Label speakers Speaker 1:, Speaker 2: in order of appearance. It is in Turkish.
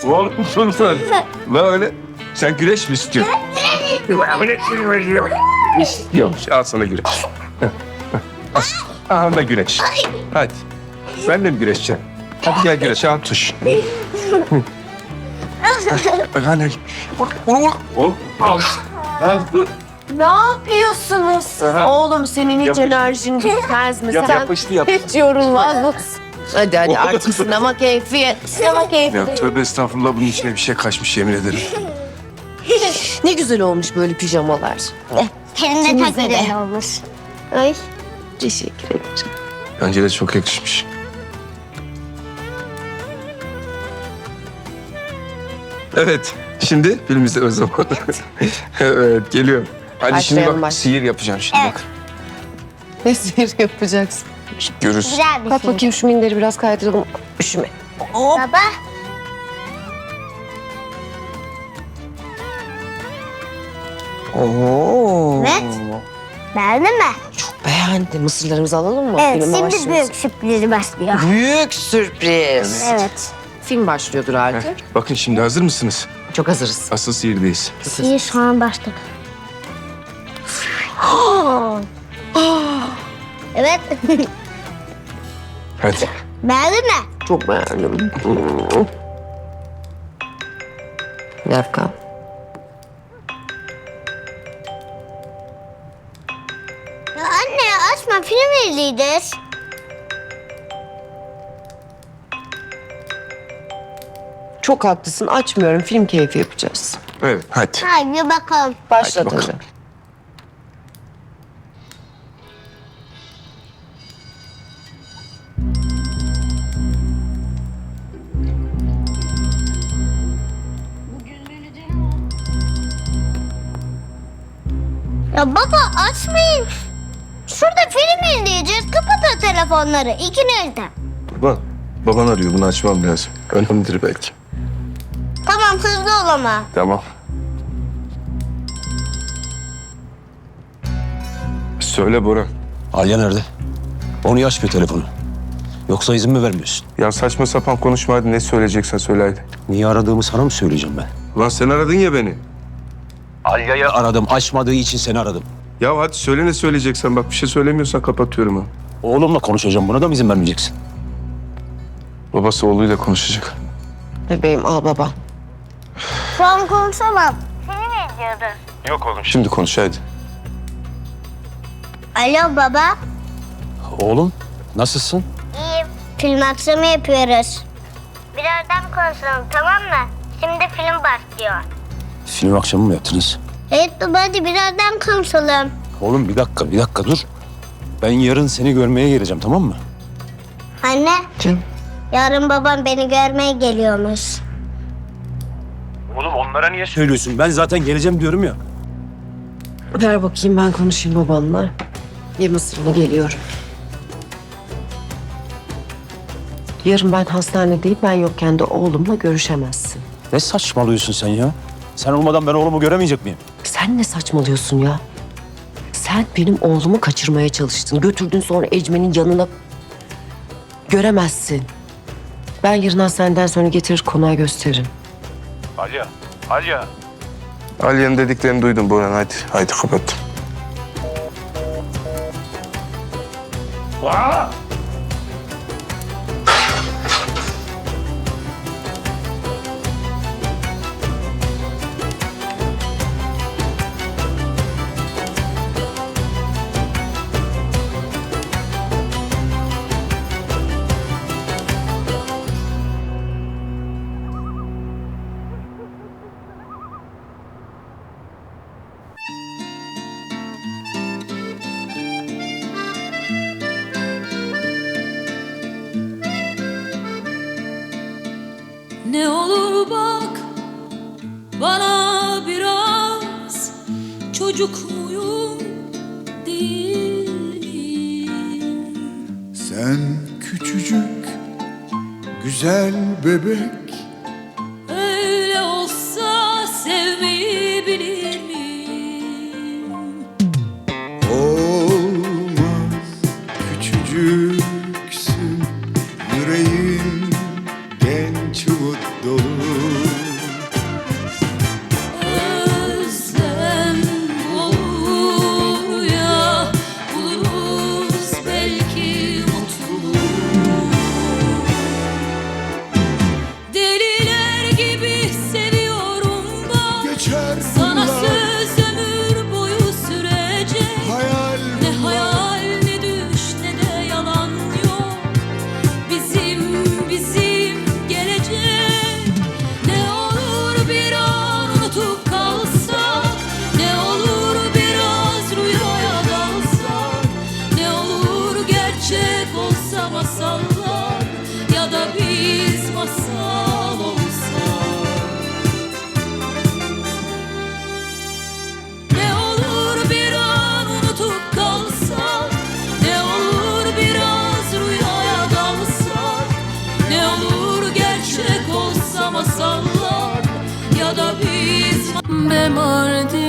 Speaker 1: Oğlum dur. Böyle sen güreş mi istiyorsun? İstiyormuş. Al sana güreş. Al da güreş. Hadi. Ben de mi güreşeceğim? Hadi gel güreş. Al tuş. Bak anne. Oğlum. Al.
Speaker 2: Ne yapıyorsunuz? Oğlum senin hiç enerjin bitmez mi? Sen
Speaker 1: yapıştı, yapıştı.
Speaker 2: hiç yorulmaz mısın? Hadi artık sinema keyfi. Sinema keyfi.
Speaker 1: Ya tövbe estağfurullah, bunun içine bir şey kaçmış yemin ederim.
Speaker 2: Ne güzel olmuş böyle pijamalar.
Speaker 3: Senin de çok güzel olmuş.
Speaker 2: Ay teşekkür ederim.
Speaker 1: Bence de çok yakışmış. Evet. Şimdi film izle o zaman. Evet, geliyor. Hadi şimdi
Speaker 2: Başlayalım,
Speaker 1: bak, sihir yapacağım şimdi bak.
Speaker 2: Ne sihir yapacaksın?
Speaker 1: Görürsün.
Speaker 3: Güzel bir
Speaker 2: Bak
Speaker 3: şey.
Speaker 2: bakayım şu minderi biraz kaydıralım. Üşüme.
Speaker 3: Baba.
Speaker 2: Oo.
Speaker 3: Evet. Beğendin mi?
Speaker 2: Çok beğendim. Mısırlarımızı alalım mı?
Speaker 3: Evet,
Speaker 2: Filme
Speaker 3: şimdi
Speaker 2: başlıyoruz.
Speaker 3: büyük sürprizi başlıyor.
Speaker 2: Büyük sürpriz.
Speaker 3: Evet.
Speaker 2: Film başlıyordur artık.
Speaker 1: Bakın şimdi hazır mısınız?
Speaker 2: Çok hazırız.
Speaker 1: Asıl sihirdeyiz.
Speaker 3: İyi, şu an başladı. Evet.
Speaker 1: Hadi.
Speaker 3: Beğendin mi?
Speaker 2: Çok beğendim. Bir dakika.
Speaker 3: Ya anne açma, film izleyeceğiz.
Speaker 2: Çok haklısın. Açmıyorum. Film keyfi yapacağız.
Speaker 1: Evet, hadi.
Speaker 3: Haydi bakalım.
Speaker 2: Başla
Speaker 1: Hadi bakalım.
Speaker 2: tabii.
Speaker 3: Ya baba açmayın. Şurada film izleyeceğiz. Kapatın telefonları ikinizde.
Speaker 1: Baban arıyor, bunu açmam lazım. Önemlidir belki.
Speaker 3: Tamam, hızlı ol ama.
Speaker 1: Tamam. Söyle Bora.
Speaker 4: Alya nerede? O niye açmıyor telefonu? Yoksa izin mi vermiyorsun?
Speaker 1: Ya saçma sapan konuşma, hadi ne söyleyeceksen söyle hadi.
Speaker 4: Niye aradığımı sana mı söyleyeceğim ben?
Speaker 1: Ulan sen aradın ya beni.
Speaker 4: Alya'yı aradım. Açmadığı için seni aradım.
Speaker 1: Ya hadi söyle ne söyleyeceksen, bak bir şey söylemiyorsan kapatıyorum ha.
Speaker 4: Oğlumla konuşacağım. Buna da mı izin vermeyeceksin?
Speaker 1: Babası oğluyla konuşacak.
Speaker 2: Bebeğim al baba.
Speaker 3: Şu an konuşamam. Film izliyoruz.
Speaker 1: Yok oğlum. Şimdi konuş hadi.
Speaker 3: Alo baba.
Speaker 4: Oğlum nasılsın?
Speaker 3: İyiyim. Film akşamı yapıyoruz. Birazdan konuşalım, tamam mı? Şimdi film başlıyor.
Speaker 4: Film akşamı mı yaptınız?
Speaker 3: Evet baba, hadi birazdan konuşalım.
Speaker 4: Oğlum bir dakika dur. Ben yarın seni görmeye geleceğim, tamam mı?
Speaker 3: Anne,
Speaker 2: Canım.
Speaker 3: yarın babam beni görmeye geliyormuş.
Speaker 4: Oğlum onlara niye söylüyorsun? Ben zaten geleceğim diyorum ya.
Speaker 2: Ver bakayım ben konuşayım babanla. Ye mısırını geliyorum. Yarın ben hastanedeyim. Ben yokken de oğlumla görüşemezsin.
Speaker 4: Ne saçmalıyorsun sen ya? Sen olmadan ben oğlumu göremeyecek miyim?
Speaker 2: Sen ne saçmalıyorsun ya? Sen benim oğlumu kaçırmaya çalıştın. Götürdün sonra Ecmen'in yanına. Göremezsin. Ben yarın hastaneden sonra getirir konağa gösteririm.
Speaker 4: Alya.
Speaker 1: Aliye'nin dediklerini duydum Boran, hadi. Hadi kapat.
Speaker 5: Ne olur bak bana biraz, çocuk muyum değil miyim?
Speaker 6: Sen küçücük güzel bebek,
Speaker 5: Öyle olsa sevmeyi bilir miyim?
Speaker 6: olmaz küçücüksün, yüreğin genç umut dolu.
Speaker 5: masal olsa. Ne olur bir an unutup kalsak, ne olur biraz rüyaya dalsak, ne olur gerçek olsa masallar ya da biz. Be Mardin